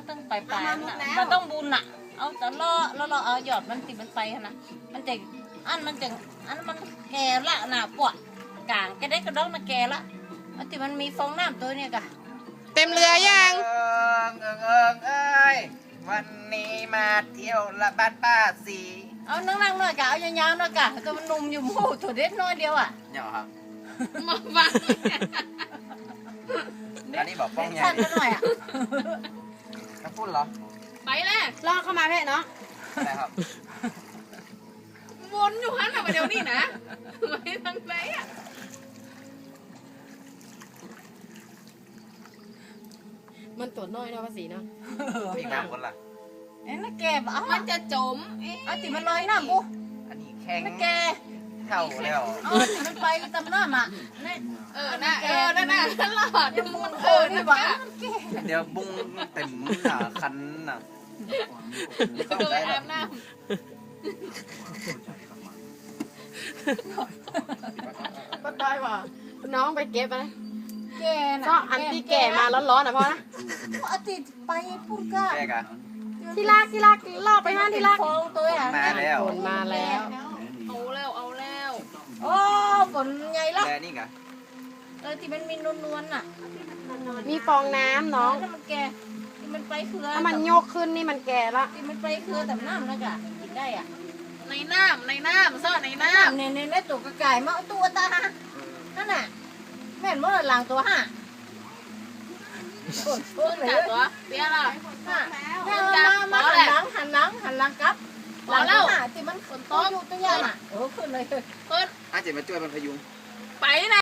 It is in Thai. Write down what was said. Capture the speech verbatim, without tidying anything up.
ตั้งปลายปลายมันต้องบุญอ่ะเอาแต่ล่อแล้วเราเอาหยอดมันติมันไปนะมันจะอันมันจะอันมันแก่ละน่ะปวดกลางแกได้กระดองมันแก่ละมันติมันมีฟองน้ำตัวเนี่ยกะเต็มเรือยังเอิงเอิงเอิงเอ้ยวันนี้มาเที่ยวละบ้านป้าสีเอานั่งนั่งหน่อยกะเอายาวๆหน่อยกะตัวมันนุ่มอยู่หมูตัวเด็ดน้อยเดียวอ่ะเนี่ยครับมาฟังอันนี้บอกป้องใหญ่สั้นหน่อยอ่ะถ้าพูดเหรอไปเลยลอกเข้ามาเพ่เนาะอะไรครับวนอยู่ฮั่นมาเดี๋ยวนี้นะไปทางไหนอ่ะมันตัวน้อยเนาะภาษีเนาะพี่น้ำคนละเอ๊ะน่าแกบเอามันจะจมเอาติมันลอยน้ำกูอันนี้แข็งน่าแกเท่าแล้วเอาติมันไปตำน้ำอ่ะนี่เออน่ะเออนั่นน่ะหลอดมันเอเอออนี่นี่หวาบ้านมันแกเดี๋ยวบุ้งเต็มหนาคันน่ะโดยอาบน้ำก็ได้ว่ะน้องไปเก็บไปแกน่ะก็อันที่แก่มาร้อนๆนะพ่อนะอาทิตย์ไปพูดก็แกกะที่รักที่รักลอกไปห้านที่รักฟองตัวอ่ะมาแล้วฝนมาแล้วเอาแล้วเอาแล้วโอ้ฝนใหญ่ละแกนี่กะเออที่มันมีนวลๆน่ะมีฟองน้ำน้องถ้ามันแกที่มันไปเครือถ้ามันโยกขึ้นนี่มันแก่ละที่มันไปเครือแต่น้ำนะกะกินได้อ่ะในน้ำในน้ำซ่อนในน้น้ำเนี่ยในตัวกระไก่มาตัวตานั่นน่ะแม่นว่าหลังตัวห้าโอ้โหำเลยจับตัวเปี้ยละแม่มามาหันหลังหันหลังหันหลังกลับหลังตัวห้าที่มันฝนตกอยู่ตัวใหญ่น่ะเออขึ้นเลยเพิ่นอาจจะมาช่วยมันพยุงไปนะ